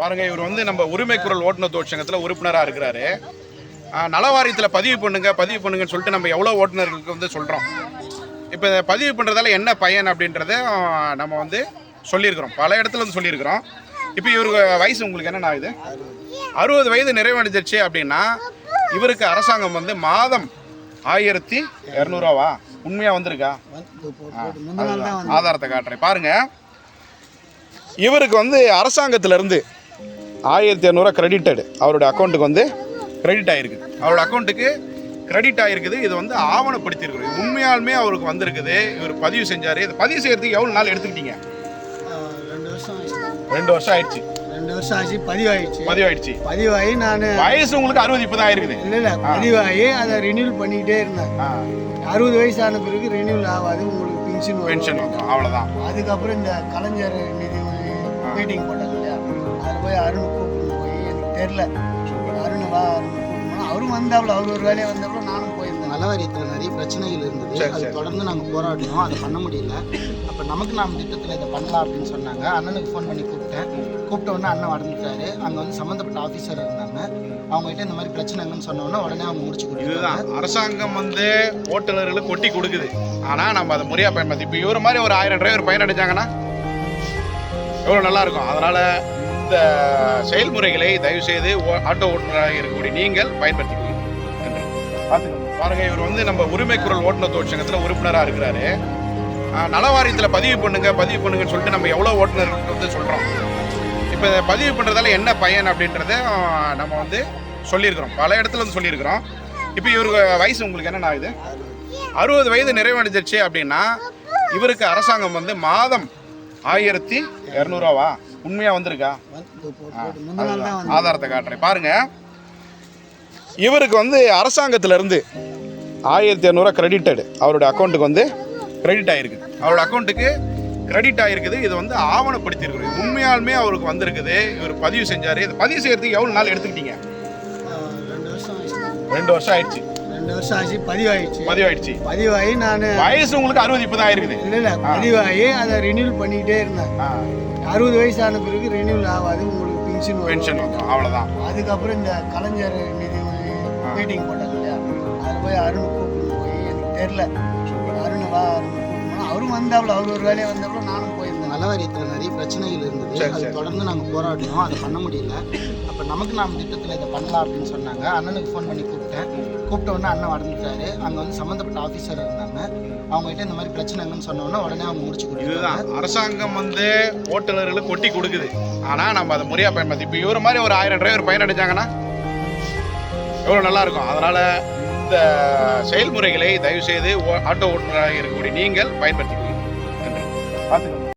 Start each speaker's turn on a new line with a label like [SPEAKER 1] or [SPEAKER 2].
[SPEAKER 1] பாருங்க, இவர் வந்து நம்ம உரிமை குரல் ஓட்டுநர் தொழிற்சங்கத்தில் உறுப்பினராக இருக்கிறாரு. நலவாரியத்தில் பதிவு பண்ணுங்கன்னு சொல்லிட்டு நம்ம எவ்வளோ ஓட்டுநர்களுக்கு வந்து சொல்கிறோம். இப்போ இதை பதிவு பண்ணுறதால என்ன பயன் அப்படின்றத நம்ம வந்து சொல்லியிருக்கிறோம், பல இடத்துல வந்து சொல்லியிருக்கிறோம். இப்போ இவருக்கு வயசு உங்களுக்கு என்னென்ன ஆகுது? 60 வயது நிறைவடைஞ்சிருச்சு அப்படின்னா இவருக்கு அரசாங்கம் வந்து மாதம் 1200 உண்மையாக வந்திருக்கா? ஆதாரத்தை காட்டுறேன் பாருங்க. இவருக்கு வந்து அரசாங்கத்திலேருந்து 1200 கிரெடிட்டடு அவருடைய அக்கௌண்ட்டுக்கு வந்து கிரெடிட் ஆகிருக்கு. அவரோட அக்கௌண்ட்டுக்கு கிரெடிட் ஆகிருக்குது. இது வந்து ஆவணப்படுத்தியிருக்குது. உண்மையாலுமே அவருக்கு வந்திருக்குது. இவர் பதிவு செஞ்சார். இது பதிவு செய்கிறதுக்கு எவ்வளோ நாள் எடுத்துக்கிட்டீங்க? 2 வருஷம் ஆயிடுச்சு.
[SPEAKER 2] 2 வருஷம் ஆச்சு. பதிவாயிடுச்சு. பதிவாகி நான்
[SPEAKER 1] வயசு உங்களுக்கு 60 இப்போ தான் ஆயிருக்குது.
[SPEAKER 2] இல்லை பதிவாகி அதை ரினியூல் பண்ணிக்கிட்டே இருந்தேன். 60 வயசான பிறகு ரினியூல் ஆகாது, உங்களுக்கு பென்ஷன்
[SPEAKER 1] வரும், அவ்வளோதான்.
[SPEAKER 2] அதுக்கப்புறம் இந்த கலைஞர் நிதி மீட்டிங் போட்டாங்க இல்லையா, அதில் போய் அருண் கூப்பிட்டு போய் எனக்கு தெரில, அருண் கூப்பிட்டு போனால் அவரும் வந்தாப்புல, அவர் ஒரு வேலையை வந்தாப்புல நானும் போயிருந்தேன்.
[SPEAKER 3] நலவாரியத்தில் நிறைய பிரச்சனைகள் இருந்தது. அது தொடர்ந்து நாங்கள் போராடினோம், அதை பண்ண முடியல. அப்போ நமக்கு நாம் திட்டத்தில் இதை பண்ணலாம் அப்படின்னு சொன்னாங்க. அண்ணனுக்கு ஃபோன் பண்ணி கூப்பிட்ட உடனே அண்ணன் வந்துட்டாரு. அங்கே வந்து சம்மந்தப்பட்ட ஆஃபீஸர் இருந்தாங்க. அவங்ககிட்ட இந்த மாதிரி பிரச்சனைங்கன்னு சொன்னோன்னா உடனே அவங்க முடிச்சு கொடுத்தாங்க.
[SPEAKER 1] இதுதான் அரசாங்கம் வந்து ஓட்டுநர்களுக்கு கொட்டி கொடுக்குது. ஆனால் நம்ம அதை முறையாக பயன்படுத்தி இப்போ இவர் மாதிரி ஒரு 1000 டிரைவர் பயனடைஞ்சாங்கன்னா எவ்வளோ நல்லாயிருக்கும். அதனால் இந்த செயல்முறைகளை தயவுசெய்து ஆட்டோ ஓட்டுநராக இருக்கக்கூடிய நீங்கள் பயன்படுத்திக்கணும். நன்றி. பார்த்துக்கணும். பாருங்கள், இவர் வந்து நம்ம உரிமை குரல் ஓட்டுநர் தொழிற்சங்கத்தில் உறுப்பினராக இருக்கிறாரு. நலவாரியத்தில் பதிவு பண்ணுங்கன்னு சொல்லிட்டு நம்ம எவ்வளோ ஓட்டுநர்களுக்கு வந்து சொல்கிறோம். இப்போ இதை பதிவு பண்ணுறதால என்ன பயன் அப்படின்றத நம்ம வந்து சொல்லியிருக்கிறோம், பல இடத்துல வந்து சொல்லியிருக்கிறோம். இப்போ இவருக்கு வயசு உங்களுக்கு என்னென்ன ஆகுது? 60 வயது நிறைவடைஞ்சிருச்சு அப்படின்னா இவருக்கு அரசாங்கம் வந்து மாதம் 1200 உண்மையாக வந்திருக்கா? ஆதாரத்தை காட்டுறேன் பாருங்க. இவருக்கு வந்து அரசாங்கத்திலேருந்து 1200 கிரெடிட்டடு அவருடைய அக்கௌண்ட்டுக்கு வந்து கிரெடிட் ஆகிருக்கு. அவரோட அக்கௌண்ட்டுக்கு கிரெடிட் ஆகிருக்குது. இது வந்து ஆவணப்படுத்தியிருக்குது. உண்மையாலுமே அவருக்கு வந்திருக்குது. இவர் பதிவு செஞ்சார். இது பதிவு செய்கிறதுக்கு எவ்வளோ நாள் எடுத்துக்கிட்டீங்க? 2 வருஷம் ஆயிடுச்சு.
[SPEAKER 2] 2 வருஷம் ஆச்சு. பதிவாகி நான்
[SPEAKER 1] வயசு உங்களுக்கு 60 இப்போ தான் ஆயிருக்குது.
[SPEAKER 2] இல்லை பதிவாகி அதை ரினியூல் பண்ணிக்கிட்டே இருந்தேன். 60 வயசான பிறகு ரினியூல் ஆகாது, உங்களுக்கு பென்ஷன்
[SPEAKER 1] வரும், அவ்வளோதான்.
[SPEAKER 2] அதுக்கப்புறம் இந்த கலைஞர் நிதி மீட்டிங் போட்டாங்க இல்லையா, அதில் போய் அருண் கூப்பிட்டு போய் எனக்கு தெரில, அருண் கூப்பிட்டு போனால் அவரும் வந்தாப்புல, அவர் ஒரு வேலையை வந்தாப்புல நானும் போயிருந்தேன்.
[SPEAKER 3] நலவாரியத்தில் நிறைய பிரச்சனைகள் இருந்தது. அது தொடர்ந்து நாங்கள் போராடினோம், அதை பண்ண முடியல. அப்போ நமக்கு நாம் திட்டத்தில் இதை பண்ணலாம் அப்படின்னு சொன்னாங்க. அண்ணனுக்கு ஃபோன் பண்ணி கூப்பிட்ட உடனே அண்ணன் வந்துட்டாரு. அங்கே வந்து சம்மந்தப்பட்ட ஆஃபீஸர் இருந்தாங்க. அவங்ககிட்ட இந்த மாதிரி பிரச்சனைங்கன்னு சொன்னோன்னா உடனே அவங்க முடிச்சு கொடுத்தாங்க.
[SPEAKER 1] இதுதான் அரசாங்கம் வந்து ஓட்டுநர்களுக்கு கொட்டி கொடுக்குது. ஆனால் நம்ம அதை முறையாக பயன்படுத்தி இப்போ இவர் மாதிரி ஒரு 1000 டிரைவர் பயனடைஞ்சாங்கன்னா எவ்வளோ நல்லாயிருக்கும். அதனால் இந்த செயல்முறைகளை தயவுசெய்து ஆட்டோ ஓட்டுநராக இருக்கக்கூடிய நீங்கள் பயன்படுத்திக்கணும். நன்றி. பார்த்துக்கணும்.